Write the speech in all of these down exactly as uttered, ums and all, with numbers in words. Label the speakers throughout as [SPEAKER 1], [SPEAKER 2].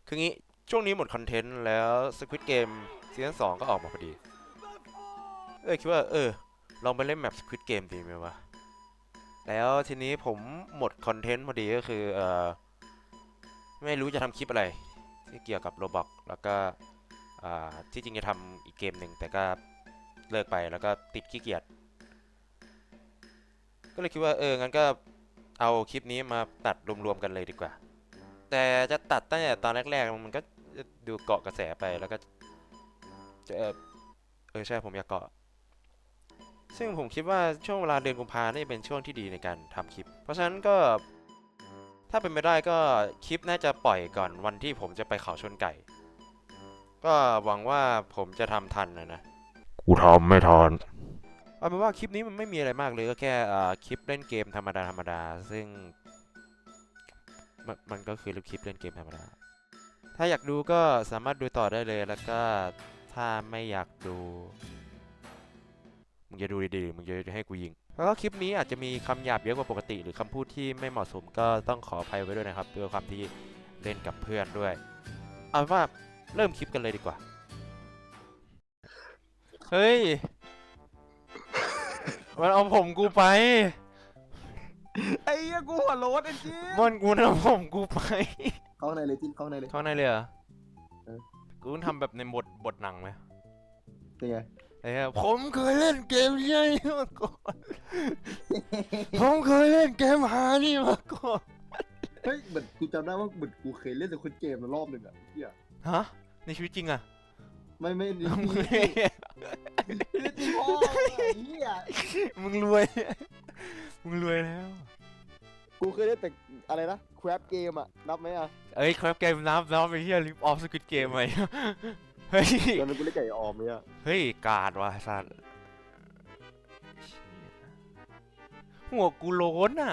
[SPEAKER 1] คืองี้ช่วงนี้หมดคอนเทนต์แล้ว Squid Game ซีซั่นสองก็ออกมาพอดีเออคิดว่าเออลองไปเล่นแมป Squid Game ดีไหมวะแล้วทีนี้ผมหมดคอนเทนต์พอดีก็คือเออไม่รู้จะทำคลิปอะไรที่เกี่ยวกับ Roblox แล้วก็อ่าที่จริงจะทำอีกเกมหนึ่งแต่ก็เลิกไปแล้วก็ติดขี้เกียจก็เลยคิดว่าเอองั้นก็เอาคลิปนี้มาตัดรวมๆกันเลยดีกว่าแต่จะตัดตั้งแต่ตอนแรกๆมันก็ดูเกาะกระแสไปแล้วก็จะเออเออใช่ผมอยากเกาะ ซึ่งผมคิดว่าช่วงเวลาเดือนกุมภาเนี่ยเป็นช่วงที่ดีในการทำคลิป เพราะฉะนั้นก็ถ้าเป็นไปได้ก็คลิปน่าจะปล่อยก่อนวันที่ผมจะไปเขาชนไก่ ก็หวังว่าผมจะทำทันนะนะกูทำไม่ทันเอาเป็นว่าคลิปนี้มันไม่มีอะไรมากเลยก็แค่คลิปเล่นเกมธรรมดาธรรมดาซึ่งมันมันก็คือคลิปเล่นเกมธรรมดาถ้าอยากดูก็สามารถดูต่อได้เลยแล้วก็ถ้าไม่อยากดู มึงจะดูดีๆมึงจะให้กูยิงแล้วก็คลิปนี้อาจจะมีคำหยาบเยอะกว่าปกติหรือคำพูดที่ไม่เหมาะสมก็ต้องขออภัยไว้ด้วยนะครับด้วยความที่เล่นกับเพื่อนด้วยเอาเป็นว่าเริ่มคลิปกันเลยดีกว่าเฮ้ยมันเอาผมกูไป
[SPEAKER 2] ไอ้เหี้ยกูหัวโล้นไอ้จิ๊บ
[SPEAKER 1] มันกูเอาผมกูไป
[SPEAKER 2] เข้าในเลยจิ้นเข้าในเลย
[SPEAKER 1] เข้าในเลยเหรอ
[SPEAKER 2] เออ
[SPEAKER 1] กูต้องทำแบบในบทบทหนังไหม
[SPEAKER 2] เป็นไง
[SPEAKER 1] ไอ้เหี้ยผมเคยเล่นเกมนี้มาก่อนผมเคยเล่นเกมหานี่มาก่อน
[SPEAKER 2] เฮ้ยเหมือนกูจำได้ว่าเหมือนกูเคยเล่นแต่คนเกมมารอบหนึ่งอ่ะเหี้ย
[SPEAKER 1] ฮะในชีวิตจริงอะ
[SPEAKER 2] ไม่ไม่นี่
[SPEAKER 1] มึง
[SPEAKER 2] นี่นี่ตีพ่อไอ้เหี้ย
[SPEAKER 1] มึงรวยมึงรวยแล้ว
[SPEAKER 2] กูเคยเล่นแต่อะไรนะแครปเกมอ่ะนับไหมอ่ะ
[SPEAKER 1] เอ้ยครับเกมนับนับไปเฮียลิฟออฟสกิทเกมไหมเฮ้ย
[SPEAKER 2] ตอนนั้นกูเล่นไก่ออมเนี่ย
[SPEAKER 1] เฮ้ยกาดว่ะสัตว์หัวกูโล้นอ่ะ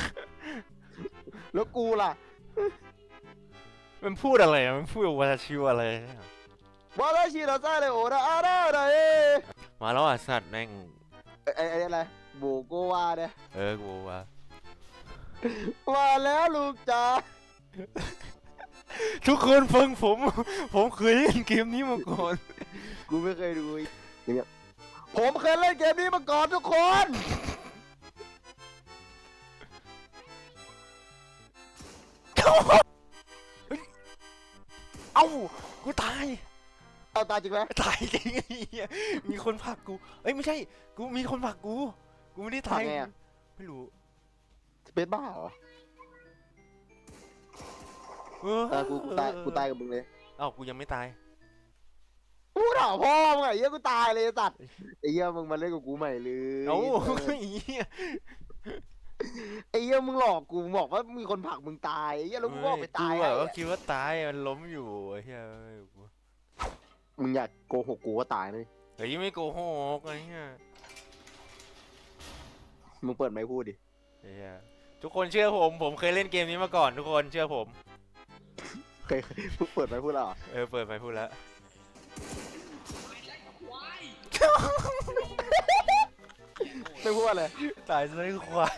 [SPEAKER 2] แล้วกูล่ะ
[SPEAKER 1] มันพูดอะไรอะมันพูดว่าชิวอะไรเนี่ย
[SPEAKER 2] วาลาชิราซาเลยโอราอาราได
[SPEAKER 1] มาแล้วอ่ะสัตว์แม่ง
[SPEAKER 2] ไอ้ไอ้อะไรโบโกวาเนี่ย
[SPEAKER 1] เออกูว่า
[SPEAKER 2] มาแล้วลูกจ๋า
[SPEAKER 1] ทุกคนฟังผม ผมเคยเล่นเกมนี้มาก่อน
[SPEAKER 2] กูไม่เคยดูอย่างเงี้ยผมเคยเล่นเกมนี้มาก่อนทุกคน
[SPEAKER 1] เอ้ากูตาย
[SPEAKER 2] เอาตายจริงไหม
[SPEAKER 1] ตายจริงไอ้เหี้ยมีคนผลักกูเอ้ยไม่ใช่กูมีคนผลักกูกูไม่ได้ตาย
[SPEAKER 2] ไงอ่ะ
[SPEAKER 1] ไม่รู้
[SPEAKER 2] เป็นบ้าเหรอ
[SPEAKER 1] เออ
[SPEAKER 2] เออกูกูตายกูตายกับมึงเลย
[SPEAKER 1] เอ้ากูยังไม่ตาย
[SPEAKER 2] กูถามพ่อมึงไงเหี้ยกูตายเลยสัตว์ไอ้เหี้ยมึงมาเล่นกับกูใหม่เลย
[SPEAKER 1] เอ้าไอ้เหี้ย
[SPEAKER 2] ไอ้เหี้ยมึงหลอกกูบอกว่ามีคนผลักมึงตายไอ้เหี้ยแล้วกูก็ออกไปตาย
[SPEAKER 1] กูแบบว่าคิดว่าตายมันล้มอยู่ไอ้เหี้ย
[SPEAKER 2] มึงอยากโกหกกูว่าตายเลย
[SPEAKER 1] เฮ้ยไม่โกหกไอ้เหี้ย
[SPEAKER 2] มึงเปิดไมค์พูดดิ
[SPEAKER 1] ไอ้เหี้ยทุกคนเชื่อผมผมเคยเล่นเกมนี้มาก่อนทุกคนเชื่อผม
[SPEAKER 2] เคยมึงเปิดไมค์พูดแล้วเหรอ
[SPEAKER 1] เออเปิดไปพูดแล้ว
[SPEAKER 2] ไม่พูดอะไร
[SPEAKER 1] ตายซะไอ้ควาย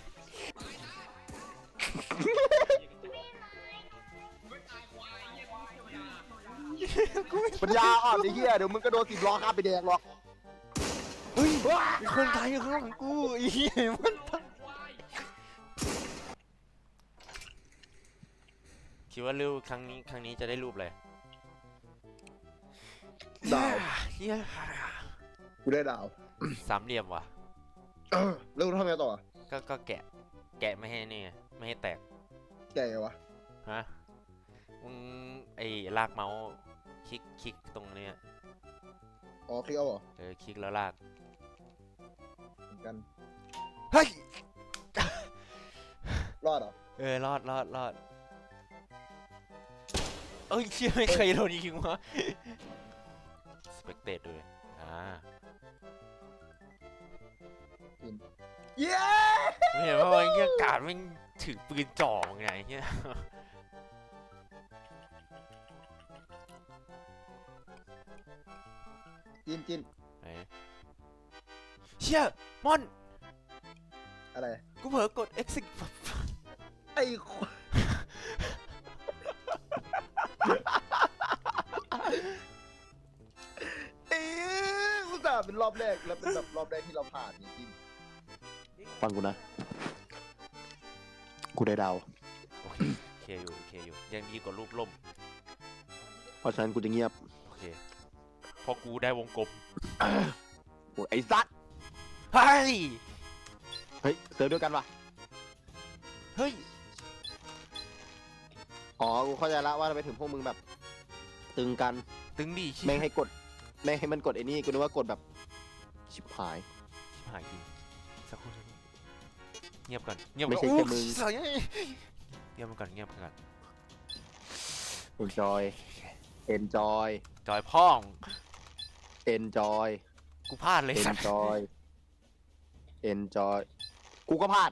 [SPEAKER 2] ปัญญาอ่อนไอ้เหี้ยเดี๋ยวมึงก็โดนสิบล้อข้ามไปแดงหรอก
[SPEAKER 1] เฮ้ยมีคนตายอยู่ข้างหลังกูไอ้เหี้ยมันตายคิดว่ารูปครั้งนี้ครั้งนี้จะได้รูปเลย
[SPEAKER 2] ดาว
[SPEAKER 1] เหี้ย
[SPEAKER 2] กูได้ดาว
[SPEAKER 1] สามเหลี่ยมว่ะ
[SPEAKER 2] แล้วกูทำไงต่อ
[SPEAKER 1] ก็ก็แกะแกะไม่ให้นี่ไงไม่ให้แตก
[SPEAKER 2] แกไงวะ
[SPEAKER 1] ฮะมึงไอ้ลากเมาส์คลิกคลิกตรงเนี้ย
[SPEAKER 2] อ๋อคลิกเอาเหรอ
[SPEAKER 1] เออคลิกแล้วลาก
[SPEAKER 2] เหมือนกัน
[SPEAKER 1] เฮ้ย
[SPEAKER 2] รอดเหรอ
[SPEAKER 1] เออรอดรอดรอดเอ้ยเชี่ยไม่เคยโดนยิงวะสเปกเตตด้วยอ่า
[SPEAKER 2] เย้
[SPEAKER 1] ไม่เห็นว่าไอ้เงี้ยการไม่ถือปืนจ่อไงเงี้ย
[SPEAKER 2] จินจิน
[SPEAKER 1] เชี่ยมอน
[SPEAKER 2] อะไร
[SPEAKER 1] กูเผลอกด exit
[SPEAKER 2] ไอ้ควายรอบแรกแล้วเป็นแบบรอบแรกที่เราผ่านจริงๆฟังกูนะกูได้ดาว
[SPEAKER 1] โอเคโอเคอยู่โอเคอยู่ยังดีกว่ารูปล่ม
[SPEAKER 2] เพราะฉะนั้นกูจะเงียบ
[SPEAKER 1] โอเคเพอกูได้วงกลม
[SPEAKER 2] โอ้ยไอ้สัตว์
[SPEAKER 1] เฮ้ย
[SPEAKER 2] เฮ้ยเซิร์ฟด้วยกันวะ
[SPEAKER 1] เฮ้ย
[SPEAKER 2] อ๋อกูเข้าใจละว่าทำไมถึงพวกมึงแบบ ตึงกัน
[SPEAKER 1] ตึงดิชิ
[SPEAKER 2] แม่งให้กดแม่งให้มันกดไอ้นี่กูนึกว่ากดแบบชิบหาย
[SPEAKER 1] หายจริงสักครู่สักครู่เงียบก่อนเงียบ
[SPEAKER 2] ไม่
[SPEAKER 1] ก่อน
[SPEAKER 2] ใช่แค่มึง
[SPEAKER 1] โอ้ยเงียบก่อนเงียบก่อน
[SPEAKER 2] enjoy enjoy
[SPEAKER 1] จอยพ่อง
[SPEAKER 2] enjoy
[SPEAKER 1] กูพลาดเลยสัตว์
[SPEAKER 2] enjoy enjoy กูก็พลาด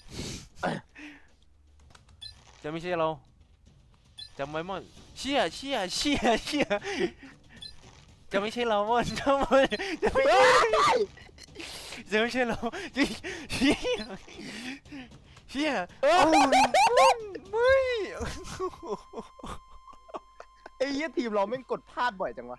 [SPEAKER 1] จะไม่ใช่เราจำไว้มั่งเชี่ยเชี่ยเชี่ยเชี่ยจะไม่ใช่เรามั่งจะไม่จะไม่ใช่จะไม่ใช่เราจริงเชี่ยเชี่ยเอ้าไม่
[SPEAKER 2] ไอ้เหี้ยทีมเราแม่งกดพลาดบ่อยจังวะ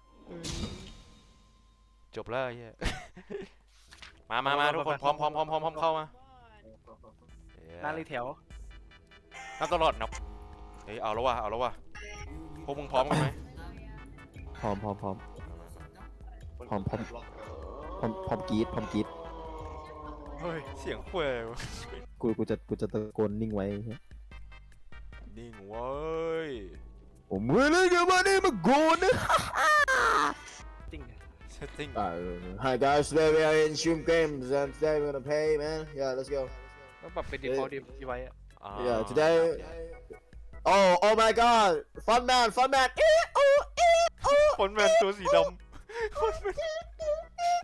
[SPEAKER 1] จบแล้วไอ้เหี้ยมามามาทุกคนพร้อมพร้อมพร้อมพร้อมพร้อมเข้ามา
[SPEAKER 3] นั่งเลยแถว
[SPEAKER 1] นับตลอดนับเฮ้ยเอาแล้วว่ะเอาแล้วว่ะพวกมึงพร้อมกันไหม
[SPEAKER 2] พร้อมพร้อมพร้อมพร้อมพร้อมพร้อมพร้อมกรีดพร้อมกรีด
[SPEAKER 1] เฮ้ยเสียงคุย
[SPEAKER 2] กูกูจะกูจะตะโกนนิ่งไว้
[SPEAKER 1] นิ่งเว้ย
[SPEAKER 2] ผมไม่ได้จะมาได้มาโกนนะ
[SPEAKER 3] จริง
[SPEAKER 1] เซตติ้ง
[SPEAKER 2] Hi guys today we are in stream games and today we're gonna play man yeah let's go
[SPEAKER 3] ต้องปรับเป็น default ดีไว้อะ
[SPEAKER 2] yeah today oh oh my god fun man fun man เอ๊ะโอ้เอ๊ะโอ้
[SPEAKER 1] คนแมนตัวสีดำคนแมน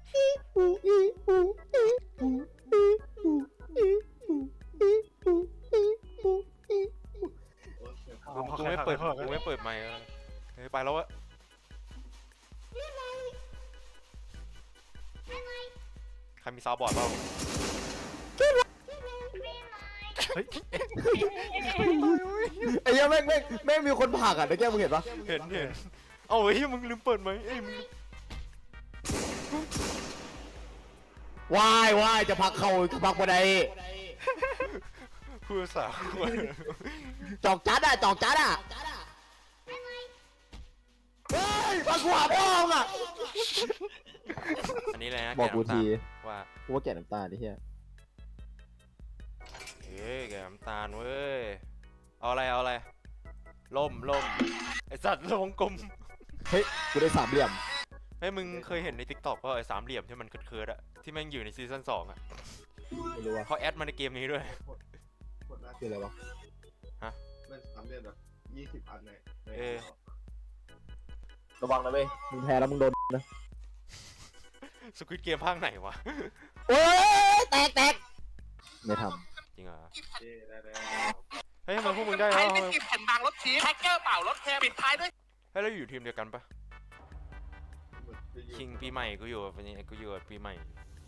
[SPEAKER 1] กูไม่เปิดกูไม่เปิดไมค์แล้วเฮ้ยไปแล้ววะใครมีซาวบอร์ดเปล่า
[SPEAKER 3] เฮ้ย
[SPEAKER 2] ไอ้เหี้ยังแม่งแม่งแม่งมีคนผลักอ่ะตะแกมึงเห็นปะ
[SPEAKER 1] เห็นเห็นเอาเฮ้ยมึงลืมเปิดไหมเอ้ยมึง
[SPEAKER 2] วายวายจะผลักเข่าจะผลักบันได
[SPEAKER 1] พูดภาษาคน
[SPEAKER 2] จอกจัดอ่ะจอกจัดอ่ะเฮ้ยมาขวาพ่องอ่ะ
[SPEAKER 1] อันนี้เลยนะ
[SPEAKER 2] บอกกูที
[SPEAKER 1] ว่า
[SPEAKER 2] กูว่าแก่น้ำตาดิเฮีย
[SPEAKER 1] เฮ้ยแกน้ำตาลเว้ยเอาอะไรเอาอะไรล่มล่มไอสัตว์วงกลม
[SPEAKER 2] เฮ้ยกูได้สามเหลี่ยม
[SPEAKER 1] เฮ้ยมึงเคยเห็นในทิกตอกป่ะไอ้สามเหลี่ยมที่มันเคิร์ดๆอะที่แม่งอยู่ในซีซั่นสองอะ
[SPEAKER 2] ไม่รู้ว่า
[SPEAKER 1] เขาแอดมาในเกมนี้ด้วย
[SPEAKER 2] คืออะไรวะ
[SPEAKER 4] มันสามเดือนแบบยี่สิบอันในใน
[SPEAKER 1] เออ
[SPEAKER 2] ระวังนะเว้ยมึงแพ้แล้วมึงโดนนะ
[SPEAKER 1] สควิดเกมภาคไหนวะ
[SPEAKER 2] โอ้ยแตกแตกไม่ท
[SPEAKER 1] จริงเหรอ
[SPEAKER 4] เย้ได้แล้ว
[SPEAKER 1] เฮ้ยทำไมพวกมึงได้
[SPEAKER 5] ใคร
[SPEAKER 1] แล้ว
[SPEAKER 5] ไม่เก็บแผ่นบางรถชีสแฮกเกอร์เปล่ารถแคร์ปิดท้ายด้วย
[SPEAKER 1] เฮ้ยเราอยู่ทีมเดียวกันปะ
[SPEAKER 4] เหมือนจะอยู่
[SPEAKER 1] คิงปีใหม่กูอยู่กับนี้กูอยู่กับปีใหม่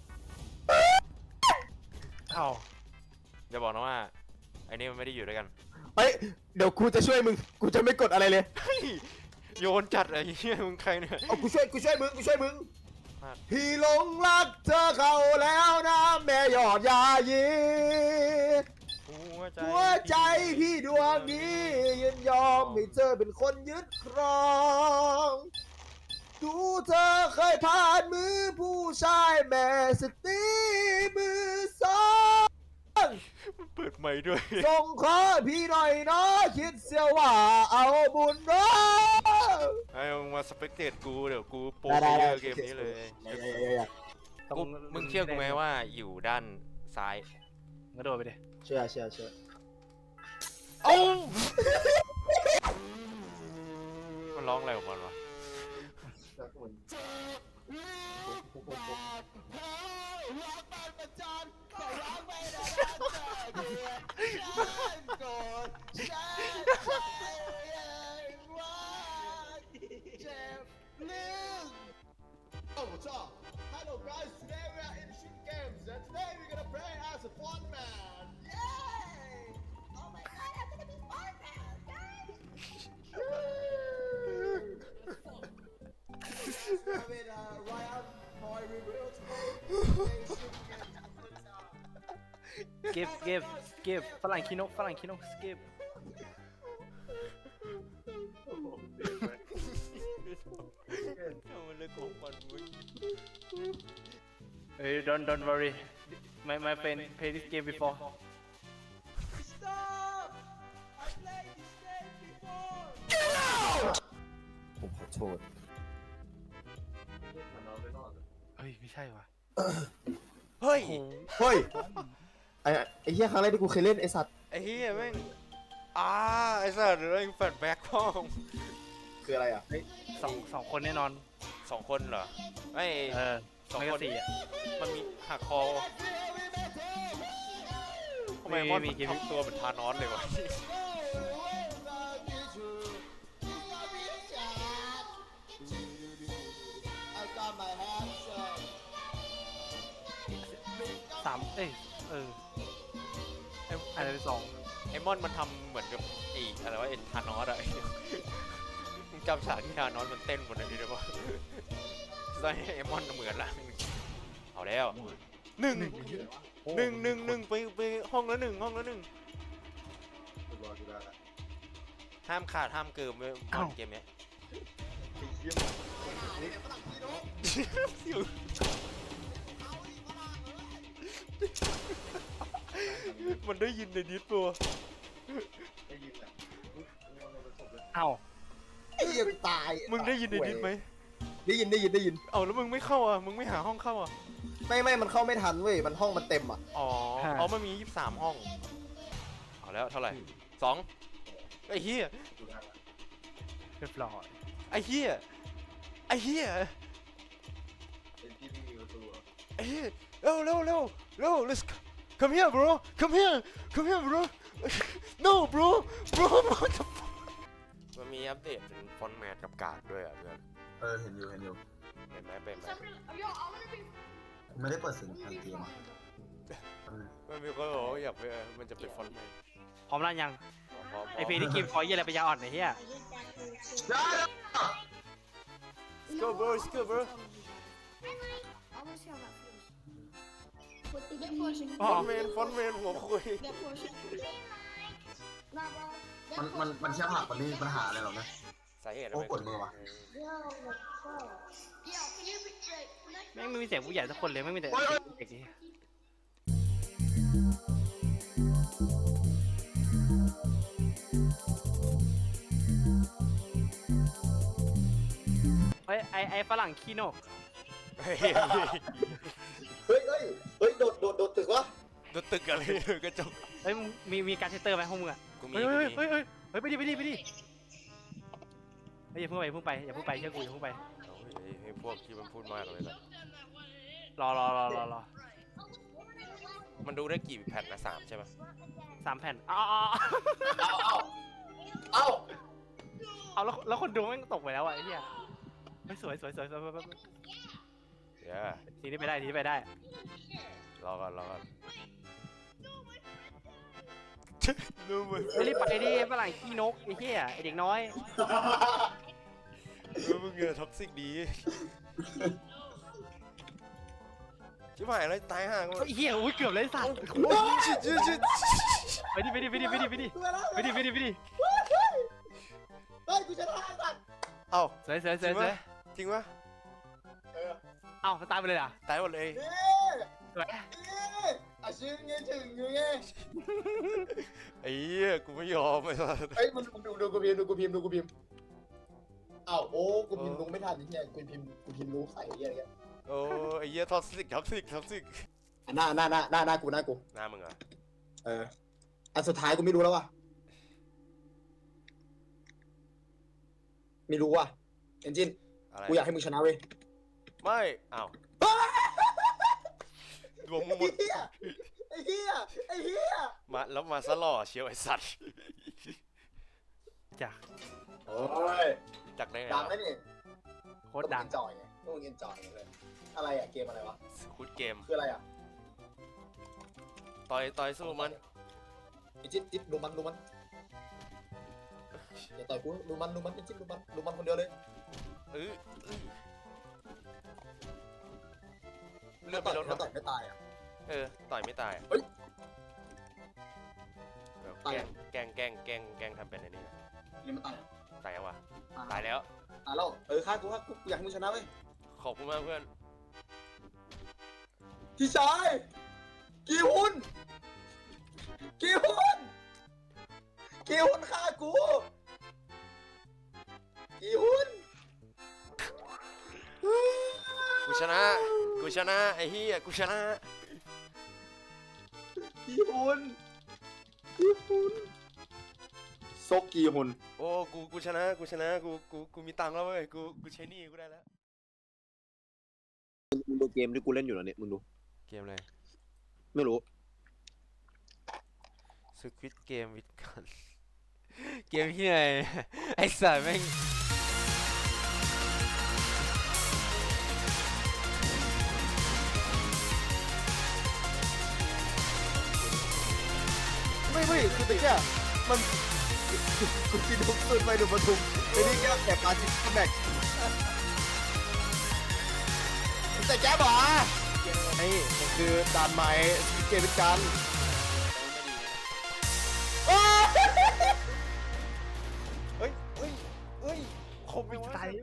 [SPEAKER 3] เอ้า
[SPEAKER 1] อย่าบอกนะว่าไอ้นี่มันไม่ได้อยู่ด้วยกัน
[SPEAKER 2] ำเฮ้ยเดี๋ยวกูจะช่วยมึงกูจะไม่กดอะไรเลย
[SPEAKER 1] เฮ้ยโยนจัดไอ้เหี้ยมึงใครเนี่ย
[SPEAKER 2] เอากูช่วยกูช่วยมึงกูช่วยมึง
[SPEAKER 1] พลาด
[SPEAKER 2] พี่หลงรักเธอเข้าแล้วนะแม่ยอดยายี
[SPEAKER 1] หัวใจ
[SPEAKER 2] หัวใจพี่ดวงนี้ยินยอมให้เธอเป็นคนยึดครอง ดูเธอเคยผ่านมือผู้ชายแม่สตีมือสอง
[SPEAKER 1] เปิดใหม่ด้วย
[SPEAKER 2] ส่งขอพี่หน่อยเนาะคิดเสียว่าเอาบุญเนาะ
[SPEAKER 1] ไอ้มึงมาสเปกเตตกูเดี๋ยวกูโปร
[SPEAKER 2] ได้
[SPEAKER 1] เย
[SPEAKER 2] ได้
[SPEAKER 1] อร์เกมนี้เลย
[SPEAKER 3] ต้อง
[SPEAKER 1] กูมึงเชื่อกูไหมว่าอยู่ด้านซ้าย
[SPEAKER 3] กระโดดไปดิ
[SPEAKER 2] เชื่อเชื่อเชื่อ
[SPEAKER 1] เอ้ามันร้องอะไรของมันวะ
[SPEAKER 4] สักคน
[SPEAKER 2] Oh, what's up? Hello guys, today we are in Street Games and today we're gonna play as a fun man. Yay!
[SPEAKER 6] Oh my god, I'm gonna be fun now, guys!
[SPEAKER 2] with uh, Ryan, Toy
[SPEAKER 3] skip skip skip ฝรั่งขี้นกฝรั่งขี้นก skip
[SPEAKER 1] เอามันเลยของมันมึง
[SPEAKER 3] เฮ้ย don't don't worry my my friend play this game before
[SPEAKER 2] Stop I played this game before ผมขอโทษ
[SPEAKER 4] มันนอนไม่รอด
[SPEAKER 3] เฮ้ยไม่ใช่ว่ะ
[SPEAKER 1] เฮ้ย
[SPEAKER 2] เฮ้ยไอ้ไอ้เหี้ยครั้งแรกที่กูเคยเล่นไอ้สัตว์
[SPEAKER 1] ไอ้เหี้ยแม่งอ่าไอ้สัตว์แม่งแฟลชแบ็คพ่อม
[SPEAKER 2] คืออะไรอ่ะ
[SPEAKER 3] สองสองคนแน่นอน
[SPEAKER 1] สองคนเหรอไม่
[SPEAKER 3] เออ
[SPEAKER 1] สอง
[SPEAKER 3] ไม่
[SPEAKER 1] ค
[SPEAKER 3] ก็
[SPEAKER 1] น
[SPEAKER 3] สี่อ่ะ
[SPEAKER 1] มันมีหักคอทำไม
[SPEAKER 3] มี
[SPEAKER 1] มอน
[SPEAKER 3] มีเกม
[SPEAKER 1] ทำตัวเป็นทานอสเลยวะ
[SPEAKER 3] สามเอ้ยเออ
[SPEAKER 1] ไอ้
[SPEAKER 3] อะไรสอง
[SPEAKER 1] ไอ้มอนมันทำเหมือนกับไอ้อะไรวะไอ้ทานอสอะ มึงจำฉากที่ทานอสมันเต้นบนนั้นได้ปะใช่ไอ้มอนเหมือนละเอาแล้วหนึ่งหนึ่งหนึ่งหนึ่งไปไปห้องละหนึ่งห้องละหนึ่ง
[SPEAKER 4] กูรอกูได้ละ
[SPEAKER 1] ห้ามขาดห้ามเกินเว้ยมอนเกมเนี้ย
[SPEAKER 4] ไอ้เหี้ย
[SPEAKER 1] มันได้ยินในดิสตัว
[SPEAKER 4] ได้ยินแหละมึงมึงเอาไปศพเลย
[SPEAKER 3] เอ้า
[SPEAKER 2] ไอ้เหี้ยตาย
[SPEAKER 1] มึงได้ยินในดิสไหม
[SPEAKER 2] ได้ยินได้ยินได้ยิน
[SPEAKER 1] เอาแล้วมึงไม่เข้าอ่ะมึงไม่หาห้องเข้าอ่ะ
[SPEAKER 2] ไม่ไม่มันเข้าไม่ทันเว้ยมันห้องมันเต็มอ่ะ
[SPEAKER 1] อ๋ออ๋อมันมียี่สิบสามห้องเอาแล้วเท่าไหร่สองไอ้เหี้ย
[SPEAKER 4] กูได้ละ
[SPEAKER 3] เรียบร้อย
[SPEAKER 1] ไอ้เหี้ยไอ้เหี้ย
[SPEAKER 4] ไอ้ที่ไม่มีประตูอะ
[SPEAKER 1] ไอ้เหี้ยเร็วเร็วเร็วเร็ว let's go. come here bro come here come here bro no bro bro what the fuck มันมีอัปเดตเป็นฟอนต์แมทกับการ์ดด้วยอ่ะเพื่อน
[SPEAKER 7] เออเห็นอยู่เห็นอยู่
[SPEAKER 1] เห็นไหมเป็นไหม
[SPEAKER 6] Yo, I wanna be.
[SPEAKER 7] ไม่ได้เปิดเสียงทางเกมอ่ะมัน
[SPEAKER 1] มันมีคนบอกว่าอยากไปมันจะเป็นฟอนต์แมท
[SPEAKER 3] พร้อมแล้วยัง
[SPEAKER 1] พร้อม
[SPEAKER 3] ไอพีที่กิมคอยเยี่ยอะไรไปยาอ่อนไอ้เหี้ย
[SPEAKER 1] let's go bro let's go bro
[SPEAKER 6] I wanna see how that feels. With the get portion.
[SPEAKER 1] ฟอนต์แมนฟอนต์แมนหัวคุย
[SPEAKER 6] Get portion. Nah, bro.
[SPEAKER 7] มันมันมันแค่ผักมันไม่มีปัญหาอะไรหรอกนะ
[SPEAKER 1] สาเหตุอะไร
[SPEAKER 7] โอ้ปวดมือว่ะ
[SPEAKER 6] Yo, let's go. Yo, can you be like?
[SPEAKER 3] แม่งไม่มีเสียงผู้ใหญ่สักคนเลยไม่มีแต่เด็กนี่เฮ้ยไอไอฝรั่งขี้นก
[SPEAKER 1] เฮ้ย
[SPEAKER 2] เฮ้ยเฮ้ยเฮ้ยโดดโดดโดดตึกวะ
[SPEAKER 1] โดนตึกอะไรกระจก
[SPEAKER 3] เฮ้ยมึงมีมีการเทสเตอร์ไหมพวกมึงอ่ะ
[SPEAKER 1] กูมี
[SPEAKER 3] เฮ้ย
[SPEAKER 1] กู
[SPEAKER 3] เฮ้ย
[SPEAKER 1] มี
[SPEAKER 3] เฮ้ยเฮ้ยเฮ้ยไปดิไปดิไปดิเฮ้ยอย่าเพิ่งไปอย่าเพิ่งไปอย่าเพิ่งไปเชื่อกูอย่าเพิ่งไป
[SPEAKER 1] เอาเฮ้ยไอ้พวกที่มันพูดมากเลยล่ะ
[SPEAKER 3] รอรอรอรอรอ
[SPEAKER 1] มันดูได้กี่แผ่นนะสามใช่ปะ
[SPEAKER 3] สามแผ่นเอาเอา
[SPEAKER 2] เอาเอาเอา
[SPEAKER 3] เอาแล้วแล้วคนดูแม่งตกไปแล้วอ่ะไอ้เหี้ยเฮ้ยสวยสวยสวยสวย
[SPEAKER 1] เดี๋ยว
[SPEAKER 3] ทีนี้ไปได้ทีนี้ไปได้
[SPEAKER 1] รอก่อนรอก่อนดูมัน
[SPEAKER 3] เฮ้ยรีบไปดิฝรั่งขี้นกไอ้เหี้ยไอ้เด็กน้อย
[SPEAKER 1] ดูมึงเงือท็อกซิกดีชิบหายแล้วตายห่าง
[SPEAKER 3] ไอ้เหี้ยอุ้ยเกือบเลยสัตว์
[SPEAKER 1] ชิดชิดชิด
[SPEAKER 3] ไปดิไปดิไปดิไปดิไปดิ
[SPEAKER 2] ตัวแล้ว
[SPEAKER 3] ไปดิไปดิไปดิ
[SPEAKER 2] เฮ้ยกูชนะไอ้สัตว์
[SPEAKER 1] เอ้า
[SPEAKER 3] สวยสวยส
[SPEAKER 1] จริ
[SPEAKER 3] วย
[SPEAKER 1] ง
[SPEAKER 3] สว
[SPEAKER 1] ปะ
[SPEAKER 3] ย
[SPEAKER 1] จริงปะ
[SPEAKER 2] เออ
[SPEAKER 3] เอ้าตายไปเลยอ่ะ
[SPEAKER 1] ตายหมดเลย
[SPEAKER 2] เอ๊ะ
[SPEAKER 3] สวย
[SPEAKER 2] เอ๊ะอาชิงไงถึงอยู่ไง
[SPEAKER 1] ไอ้เหี้ยกูไม่ยอมไอ้สัส
[SPEAKER 2] เฮ้ยมันดูดูกูพิมพ์ดูกูพิมพ์ดูกูพิมพ์อ้าวโอ้กูพิมพ์รู้ไม่ทันนี่เนี่ยกูพิมพ์กูพิมพ์รู้ใส่ไอ้เหี้ยอะไรเงี้ย
[SPEAKER 1] โอ้ไอ้เหี้ยท็อกซิกท็อกซิกท็อกซิก
[SPEAKER 2] หน้าหน้าหน้าหน้าหน้ากูหน้ากู
[SPEAKER 1] หน้ามึงเหรอ
[SPEAKER 2] เอออันสุดท้ายกูไม่รู้แล้วว่ะไม่รู้ว่ะเอนจิน
[SPEAKER 1] อะไร
[SPEAKER 2] กูอยากให้มึงชนะเว้ย
[SPEAKER 1] ไม่อ้าวดวงมึงหม
[SPEAKER 2] ไอ้
[SPEAKER 1] ด
[SPEAKER 2] เหี้ยไอ้เหี้ยไอ้เหี้ย
[SPEAKER 1] มาแล้วมาซะหล่อเชียวไอ้สัตว์
[SPEAKER 3] จ้ะ
[SPEAKER 2] โอ้ย
[SPEAKER 1] จากได้ไง
[SPEAKER 2] ดังไหมนี่
[SPEAKER 3] โคตรดัง
[SPEAKER 2] จอยไงต้องเงินจอยเลยอะไรอะเกมอะไรวะ
[SPEAKER 1] คุดเกม
[SPEAKER 2] คืออะไรอะ
[SPEAKER 1] ต่อยต่อยสู้มัน
[SPEAKER 2] ไอ้จิ๊ดจิ๊ดดูมันดูมันอย่าต่อยกูดูมันดูมันไอ้จิ๊ดดูมันดูมันคนเดียวเลย
[SPEAKER 1] เออเลือด
[SPEAKER 2] ต่
[SPEAKER 1] ไม่
[SPEAKER 2] อย
[SPEAKER 1] ลดหร
[SPEAKER 2] ถ้า
[SPEAKER 1] อ
[SPEAKER 2] ต่อยไม่ตายอะ
[SPEAKER 1] เออต่อยไม่ตาย
[SPEAKER 2] เฮ้ย
[SPEAKER 8] ตาย
[SPEAKER 9] แกล้งแกล้งแกล้งแกล้งทำเป็นไอ้นี่นะ
[SPEAKER 8] ยังไม่ตาย
[SPEAKER 9] ตายแล้ววะ
[SPEAKER 8] อ่ะ
[SPEAKER 9] ตายแล้ว
[SPEAKER 8] ตายแล้วเออฆ่ากูฆ่ากูกูอยากให้มึงชนะเว้ย
[SPEAKER 9] ขอบคุณมากเพื่อน
[SPEAKER 8] พี่ชายกีฮุนกีฮุนกีฮุนฆ่ากูกีฮุน
[SPEAKER 9] กูชนะ กูชนะไอ้เหี้ยกูชนะ
[SPEAKER 8] กีฮุนกีฮุนซกกีฮุน
[SPEAKER 9] โอ้ กู กูชนะ กูชนะ กู กู กูมีตังค์แล้วเว้ย กู กูใช้หนี้กูได้แล้ว
[SPEAKER 2] มึงดูเกมที่กูเล่นอยู่เหรอเนี่ยมึงดู
[SPEAKER 1] เกมอะไร
[SPEAKER 2] ไม่รู้
[SPEAKER 1] สควิตเกมวิดกัน เกมที่ไหน ไอ้สัตว์แม่ง
[SPEAKER 2] ไม่ไม่คือตะเกียมันกูกินทุกตื่นไปดูประทุมไอ้นี่แก้แอบปาจิแบกแต่แก้บอกไอ้มันคือด่านใหม่เกมเป็นการเฮ้ยเฮ้ยเฮ้ยคมไม่ตาย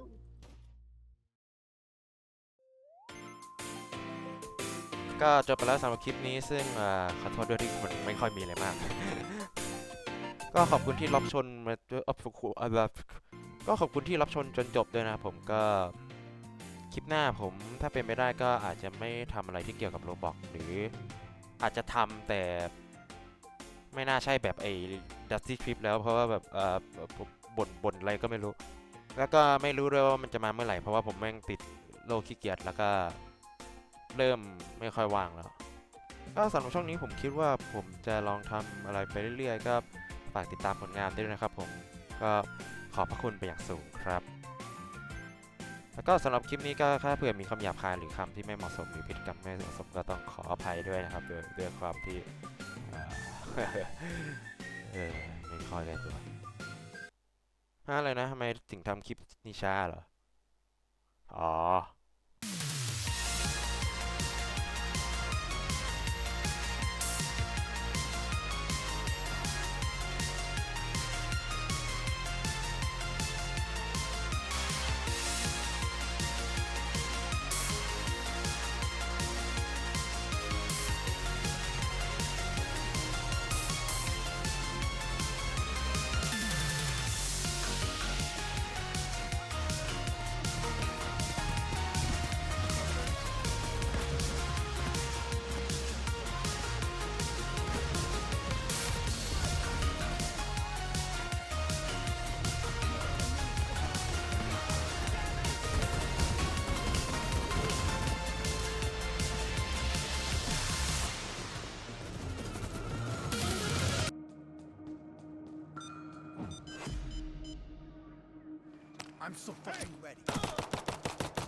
[SPEAKER 1] ก็จบไปแล้วสำหรับคลิปนี้ซึ่งเอ่อขอโทษด้วยที่มันไม่ค่อยมีอะไรมาก ก็ขอบคุณที่รับชมมาด้วยอัพฟุกุอ่ะแบบก็ขอบคุณที่รับชมจนจบด้วยนะครับผมก็คลิปหน้าผมถ้าเป็นไปได้ก็อาจจะไม่ทำอะไรที่เกี่ยวกับโรบอกหรืออาจจะทำแต่ไม่น่าใช่แบบไอ้ดัสตี้คลิปแล้วเพราะว่าแบบเอ่อบ่นบ่นอะไรก็ไม่รู้ แล้วก็ไม่รู้ด้วยว่ามันจะมาเมื่อไหร่เพราะว่าผมแม่งติดโรคขี้เกียจแล้วก็เริ่มไม่ค่อยว่างแล้ว ก็สำหรับช่องนี้ผมคิดว่าผมจะลองทำอะไรไปเรื่อยๆก็ฝากติดตามผลงานด้วยนะครับผมก็ขอบพระคุณไปอย่างสูงครับ แล้วก็สำหรับคลิปนี้ก็ถ้าเผื่อมีคำหยาบคายหรือคำที่ไม่เหมาะสมหรือพฤติกรรมไม่เหมาะสมก็ต้องขออภัยด้วยนะครับด้วยด้วยความที่เอ่อ เออไม่ค่อยได้ตัวฮะอะไรนะทำไมถึงทำคลิปนี้ช้าเหรออ๋อ